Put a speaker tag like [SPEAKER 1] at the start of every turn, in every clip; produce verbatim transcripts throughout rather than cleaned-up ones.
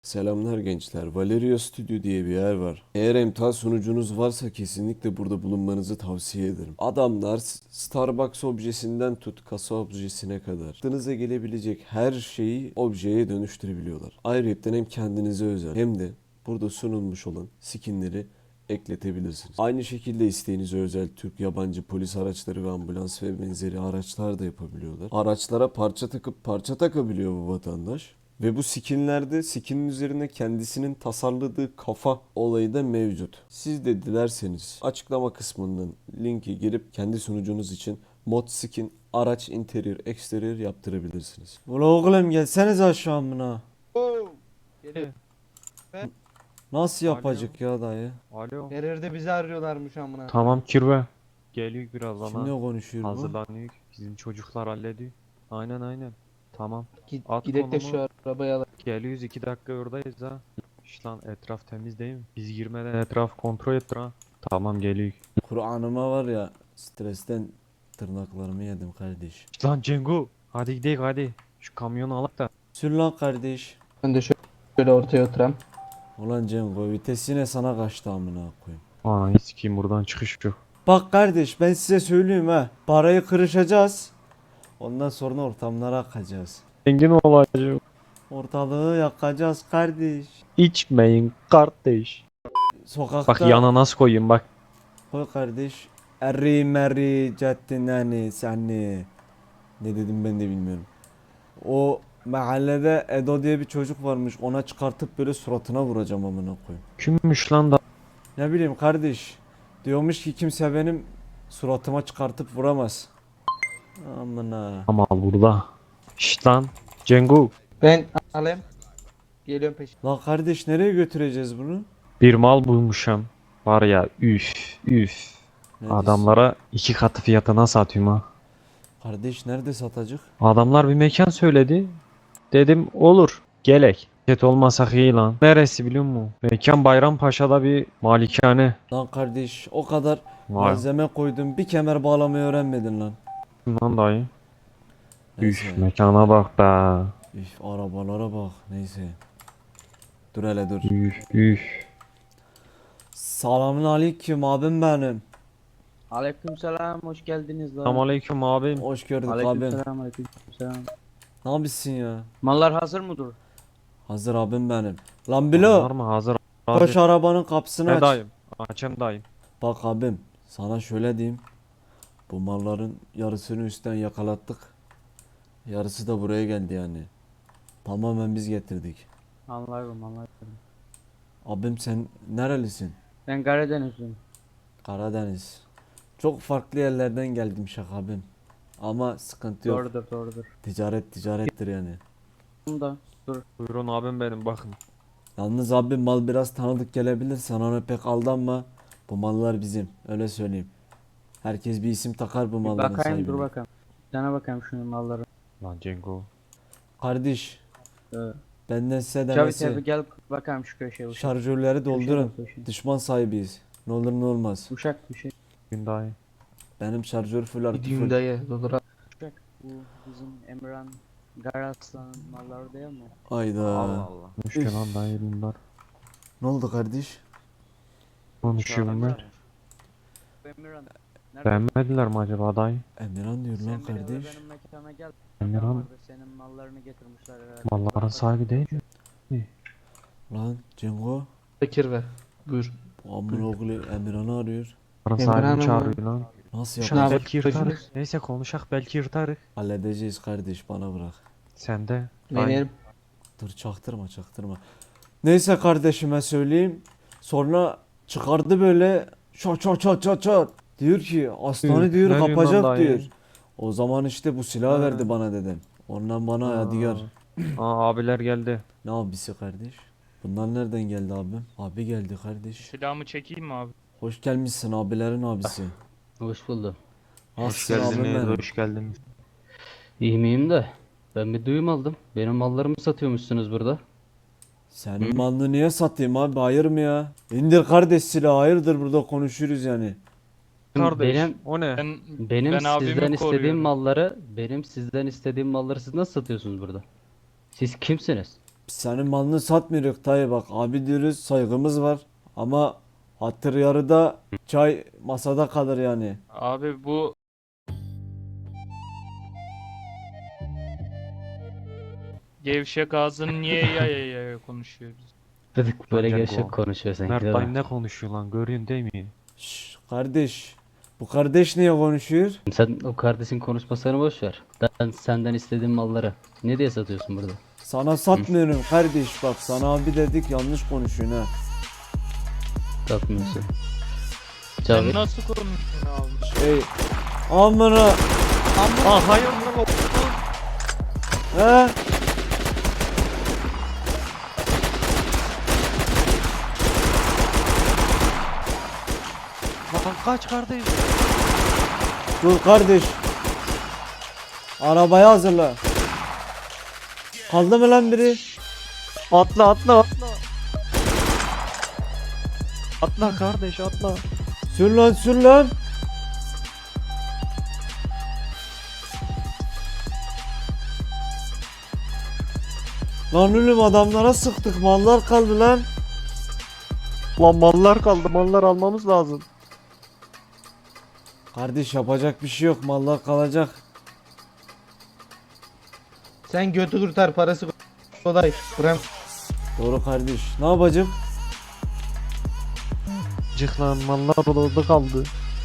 [SPEAKER 1] Selamlar gençler. Valerio Studio diye bir yer var. Eğer emtia sunucunuz varsa kesinlikle burada bulunmanızı tavsiye ederim. Adamlar S- Starbucks objesinden tut kasa objesine kadar aklınıza gelebilecek her şeyi objeye dönüştürebiliyorlar. Ayrıca hem kendinize özel hem de burada sunulmuş olan skinleri ekletebilirsiniz. Aynı şekilde isteğinize özel Türk yabancı polis araçları ve ambulans ve benzeri araçlar da yapabiliyorlar. Araçlara parça takıp parça takabiliyor bu vatandaş. Ve bu skinlerde skinin üzerine kendisinin tasarladığı kafa olayı da mevcut. Siz de dilerseniz açıklama kısmından linki girip kendi sunucunuz için mod skin, araç interior, exterior yaptırabilirsiniz. Ula oğlum gelseniz aşağımına.
[SPEAKER 2] Oo. Geliyor.
[SPEAKER 1] Nasıl
[SPEAKER 3] Alo.
[SPEAKER 1] yapacak ya dayı?
[SPEAKER 3] Alo.
[SPEAKER 2] Her yerde bizi arıyorlarmış amına.
[SPEAKER 3] Tamam kirve. Geliyor birazdan
[SPEAKER 1] Kimle
[SPEAKER 3] ha.
[SPEAKER 1] konuşuyor bu?
[SPEAKER 3] Hazırlanıyor. Bizim çocuklar hallediyor. Aynen aynen. Tamam.
[SPEAKER 2] Git,
[SPEAKER 3] At
[SPEAKER 2] gidek de
[SPEAKER 3] konumu.
[SPEAKER 2] şu arabayı alalım.
[SPEAKER 3] Geliyoruz iki dakika oradayız ha. İşte lan etraf temiz değil mi? Biz girmeden etraf kontrol ettir ha. Tamam geliyor.
[SPEAKER 1] Kur'an'ıma var ya stresten tırnaklarımı yedim kardeş.
[SPEAKER 3] İşte lan Cengo. Hadi gidelim hadi. Şu kamyonu alak da.
[SPEAKER 1] Sür lan kardeş.
[SPEAKER 2] Ben de şöyle ortaya oturam.
[SPEAKER 1] Ulan Cengo vites yine sana kaçtı amına koyayım.
[SPEAKER 3] Ananı sikeyim buradan çıkış yok.
[SPEAKER 1] Bak kardeş ben size söyleyeyim ha. Parayı kırışacağız. Ondan sonra ortamlara akacağız.
[SPEAKER 3] Zengin olacağım.
[SPEAKER 1] Ortalığı yakacağız kardeş.
[SPEAKER 3] İçmeyin kardeş.
[SPEAKER 1] Sokakta
[SPEAKER 3] Bak yana nasıl koyayım bak.
[SPEAKER 1] koy kardeş. Eri meri cettinani seni. Ne dedim ben de bilmiyorum. O mahallede Edo diye bir çocuk varmış. Ona çıkartıp böyle suratına vuracağım amına koyayım.
[SPEAKER 3] Kimmiş lan da.
[SPEAKER 1] Ne bileyim kardeş. Diyormuş ki kimse benim suratıma çıkartıp vuramaz. Amına.
[SPEAKER 3] Ama burada. Şşt lan. Cengo.
[SPEAKER 2] Ben alayım. Geliyorum peşin.
[SPEAKER 1] Lan kardeş nereye götüreceğiz bunu?
[SPEAKER 3] Bir mal bulmuşum. Var ya üf üf.
[SPEAKER 1] Ne diyorsun?
[SPEAKER 3] Adamlara iki katı fiyatına satıyorum ha.
[SPEAKER 1] Kardeş nerede satacak?
[SPEAKER 3] Adamlar bir mekan söyledi. Dedim olur. Gelek. Ket olmasak iyi lan. Neresi biliyor musun? Mekan Bayrampaşa'da bir malikane.
[SPEAKER 1] Lan kardeş o kadar
[SPEAKER 3] Vay
[SPEAKER 1] malzeme koydum bir kemer bağlamayı öğrenmedin lan.
[SPEAKER 3] lan dayı.
[SPEAKER 1] Neyse.
[SPEAKER 3] Üf mekana bak be.
[SPEAKER 1] Üf arabalara bak neyse. Dur hele dur.
[SPEAKER 3] Üf üf.
[SPEAKER 1] Selamun aleyküm abim benim.
[SPEAKER 4] Aleykümselam, hoş geldiniz lan.
[SPEAKER 3] Selamünaleyküm abim.
[SPEAKER 1] Hoş gördük abim.
[SPEAKER 4] Aleykümselam, aleykümselam.
[SPEAKER 1] Ne yapıyorsun ya?
[SPEAKER 4] Mallar hazır mıdır?
[SPEAKER 1] Hazır abim benim. Lan
[SPEAKER 3] Var
[SPEAKER 1] Bilo
[SPEAKER 3] mı hazır?
[SPEAKER 1] koş
[SPEAKER 3] Hazır.
[SPEAKER 1] arabanın kapısını
[SPEAKER 3] Ne
[SPEAKER 1] aç.
[SPEAKER 3] dayım? Açayım dayım.
[SPEAKER 1] Bak abim sana şöyle diyeyim. Bu malların yarısını üstten yakalattık. Yarısı da buraya geldi yani. Tamamen biz getirdik.
[SPEAKER 4] Anlarım, anlarım.
[SPEAKER 1] Abim sen nerelisin?
[SPEAKER 4] Ben Karadenizliyim.
[SPEAKER 1] Karadeniz. Çok farklı yerlerden geldim şaka abim. Ama sıkıntı yok.
[SPEAKER 4] Doğrudur, doğrudur.
[SPEAKER 1] Ticaret ticarettir yani.
[SPEAKER 4] Bunda dur.
[SPEAKER 3] Buyurun abim benim bakın.
[SPEAKER 1] Yalnız abi mal biraz tanıdık gelebilir. Sen ona pek aldanma. Bu mallar bizim. Öyle söyleyeyim. Herkes bir isim takar bu
[SPEAKER 4] Bir
[SPEAKER 1] malların
[SPEAKER 4] bakayım, dur
[SPEAKER 1] sahibine.
[SPEAKER 4] bakalım. Bir tane bakayım şunun malları.
[SPEAKER 3] Lan Cengo.
[SPEAKER 1] Kardeş
[SPEAKER 4] Ee,
[SPEAKER 1] benden size
[SPEAKER 4] Cavit
[SPEAKER 1] demesi.
[SPEAKER 4] abi gel bakayım şu köşeye. Uşak.
[SPEAKER 1] Şarjörleri doldurun.
[SPEAKER 4] Köşeye, köşeye.
[SPEAKER 1] Düşman sahibiyiz. Ne olur ne olmaz.
[SPEAKER 4] Uşak bir şey.
[SPEAKER 3] Gün dayı.
[SPEAKER 1] Benim şarjör full artı
[SPEAKER 2] Gideyim
[SPEAKER 1] full.
[SPEAKER 2] dayı. Doldur al.
[SPEAKER 4] Uşak. Bu bizim Emran Garaslan'ın malları değil mi?
[SPEAKER 1] Ayda.
[SPEAKER 3] Allah Allah. Müşkül lan dayı bunlar.
[SPEAKER 1] Ne oldu kardeş?
[SPEAKER 3] Konuşuyor bunlar.
[SPEAKER 4] Bu Emran. Nerede?
[SPEAKER 3] Beğenmediler mi acaba dayı?
[SPEAKER 1] Emirhan diyor lan
[SPEAKER 4] Sen bir de
[SPEAKER 1] kardeş.
[SPEAKER 4] benim mekana gel.
[SPEAKER 3] Emirhan
[SPEAKER 4] Vardı, senin mallarını getirmişler herhalde.
[SPEAKER 3] malların sahibi değil mi?
[SPEAKER 1] Lan Cengo.
[SPEAKER 2] Bekir ver. Buyur.
[SPEAKER 1] Bu amına oğlu Emirhan'ı arıyor.
[SPEAKER 3] Malların
[SPEAKER 2] Emirhan
[SPEAKER 3] sahibini
[SPEAKER 2] mı?
[SPEAKER 3] çağırıyor lan.
[SPEAKER 1] Nasıl
[SPEAKER 2] Şuna
[SPEAKER 1] yapacağız?
[SPEAKER 2] bak.
[SPEAKER 3] Belki yırtarız. Neyse konuşak belki yırtarız.
[SPEAKER 1] Halledeceğiz kardeş bana bırak.
[SPEAKER 3] Sen de.
[SPEAKER 2] Benim.
[SPEAKER 1] Dur çaktırma çaktırma. Neyse kardeşime söyleyeyim. Sonra çıkardı böyle çat çat çat çat çat. Diyor ki aslanı
[SPEAKER 3] Üf,
[SPEAKER 1] diyor
[SPEAKER 3] ne diyorsun
[SPEAKER 1] kapacak
[SPEAKER 3] lan dayı?
[SPEAKER 1] diyor. O zaman işte bu silahı
[SPEAKER 3] Ha.
[SPEAKER 1] verdi bana dedem. Ondan bana yadigar.
[SPEAKER 3] Aa abiler geldi.
[SPEAKER 1] Ne abisi kardeş? Bunlar nereden geldi abim? Abi geldi kardeş.
[SPEAKER 5] Silahımı çekeyim mi abi?
[SPEAKER 1] Hoş gelmişsin abilerin abisi.
[SPEAKER 6] Hoş buldum.
[SPEAKER 3] Hoş
[SPEAKER 1] Nasılsın abim
[SPEAKER 3] geldiniz,
[SPEAKER 1] benim?
[SPEAKER 3] hoş geldiniz.
[SPEAKER 6] İyi miyim de ben bir duyum aldım. Benim mallarımı satıyormuşsunuz burada.
[SPEAKER 1] Senin malını niye satayım abi hayır mı ya? İndir kardeş silahı hayırdır burada konuşuruz yani.
[SPEAKER 3] Kardeş,
[SPEAKER 6] Benim
[SPEAKER 3] o ne?
[SPEAKER 5] Ben
[SPEAKER 6] benim
[SPEAKER 5] ben abimi
[SPEAKER 6] sizden istediğim
[SPEAKER 5] koruyorum.
[SPEAKER 6] malları, benim sizden istediğim malları siz nasıl satıyorsunuz burada? Siz kimsiniz?
[SPEAKER 1] Senin malını satmıyoruz dayı, bak abi diyoruz, saygımız var ama hatır yarıda çay masada kalır yani.
[SPEAKER 5] Abi bu gevşek ağzını niye yaya yaya konuşuyoruz?
[SPEAKER 6] Dedik böyle
[SPEAKER 3] Ancak
[SPEAKER 6] gevşek
[SPEAKER 3] o-
[SPEAKER 6] konuşuyor sanki
[SPEAKER 3] Mert
[SPEAKER 6] değil mi?
[SPEAKER 3] dayım ne konuşuyor lan, görüyorsun değil mi?
[SPEAKER 1] Şş, kardeş, bu kardeş niye konuşuyor?
[SPEAKER 6] Sen o kardeşin konuşmasını boş ver. Ben senden istediğim malları ne diye satıyorsun burada?
[SPEAKER 1] Sana satmıyorum kardeş, bak sana abi dedik, yanlış konuşuyorsun ha.
[SPEAKER 6] Satmıyorsun.
[SPEAKER 5] Sen
[SPEAKER 6] Cavit,
[SPEAKER 5] nasıl konuşuyorsun abi?
[SPEAKER 1] Şey, amına
[SPEAKER 3] Ah hayır lan.
[SPEAKER 1] he?
[SPEAKER 3] Lan kaç kardeş.
[SPEAKER 1] Dur kardeş. Arabayı hazırla. Kaldı mı lan biri?
[SPEAKER 3] Atla atla atla. Atla kardeş atla.
[SPEAKER 1] Sür lan sür lan. Lan oğlum adamlara sıktık, mallar kaldı lan.
[SPEAKER 3] Lan mallar kaldı, mallar almamız lazım.
[SPEAKER 1] Kardeş yapacak bir şey yok, mallar kalacak.
[SPEAKER 2] Sen götü kurtar, parası kolay. Buram.
[SPEAKER 1] Doğru kardeş. Ne yapacağım?
[SPEAKER 3] Cık lan, mallar orada kaldı.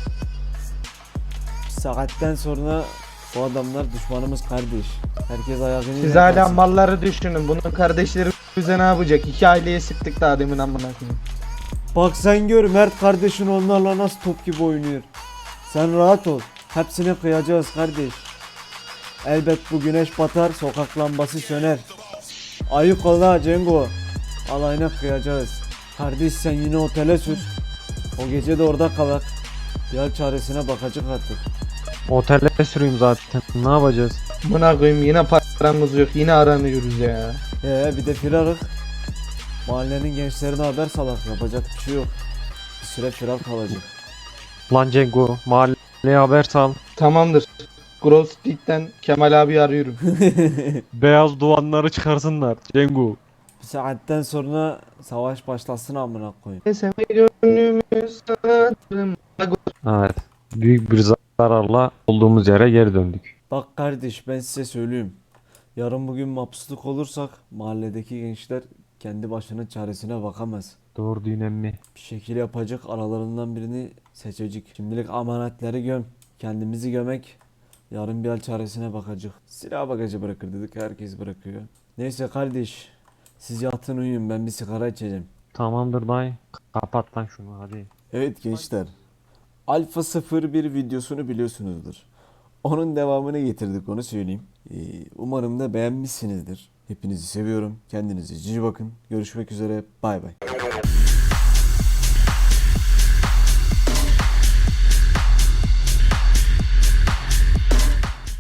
[SPEAKER 1] Bir saatten sonra bu adamlar düşmanımız kardeş. Herkes ayağını
[SPEAKER 2] Siz hala malları düşünün. Bunun kardeşleri bize ne yapacak? İki aileye sıktık daha demin amına koyayım.
[SPEAKER 1] Bak sen gör, Mert kardeşin onlarla nasıl top gibi oynuyor. Sen rahat ol. Hepsini kıyacağız kardeş. Elbet bu güneş batar, sokak lambası söner. Ayık ol ha Cengo. Alayına kıyacağız. Kardeş sen yine otele sür. O gece de orada kalak. Diğer çaresine bakacak artık.
[SPEAKER 3] Otele süreyim zaten. Ne yapacağız?
[SPEAKER 2] Buna koyayım, yine paramız yok. Yine aranıyoruz ya.
[SPEAKER 1] Ee bir de firarık. Mahallenin gençlerine haber salak, yapacak bir şey yok. Bir süre firar kalacak.
[SPEAKER 3] Lan Cengo, mahalleye haber sal.
[SPEAKER 2] Tamamdır. Grove Street'ten Kemal abi arıyorum.
[SPEAKER 3] Beyaz duvanları çıkarsınlar Cengo.
[SPEAKER 1] Bir saatten sonra savaş başlasın amına koyayım.
[SPEAKER 2] Sen gönlümüz sanırım.
[SPEAKER 3] Evet. Büyük bir zararla olduğumuz yere geri döndük.
[SPEAKER 1] Bak kardeş, ben size söyleyeyim. Yarın bugün mapsusluk olursak mahalledeki gençler kendi başının çaresine bakamaz.
[SPEAKER 3] Doğru düğün emmi.
[SPEAKER 1] Bir şekil yapacak, aralarından birini seçecek. Şimdilik amanetleri göm. Kendimizi gömek. Yarın bir hal çaresine bakacak. Silah bagajı bırakır dedik, herkes bırakıyor. Neyse kardeş, siz yatın uyuyun, ben bir sigara içeceğim.
[SPEAKER 3] Tamamdır dayı. Kapat lan şunu hadi.
[SPEAKER 1] Evet gençler, Alfa sıfır bir videosunu biliyorsunuzdur. Onun devamını getirdik, onu söyleyeyim. Ee, umarım da beğenmişsinizdir. Hepinizi seviyorum. Kendinize cici bakın. Görüşmek üzere. Bay bay.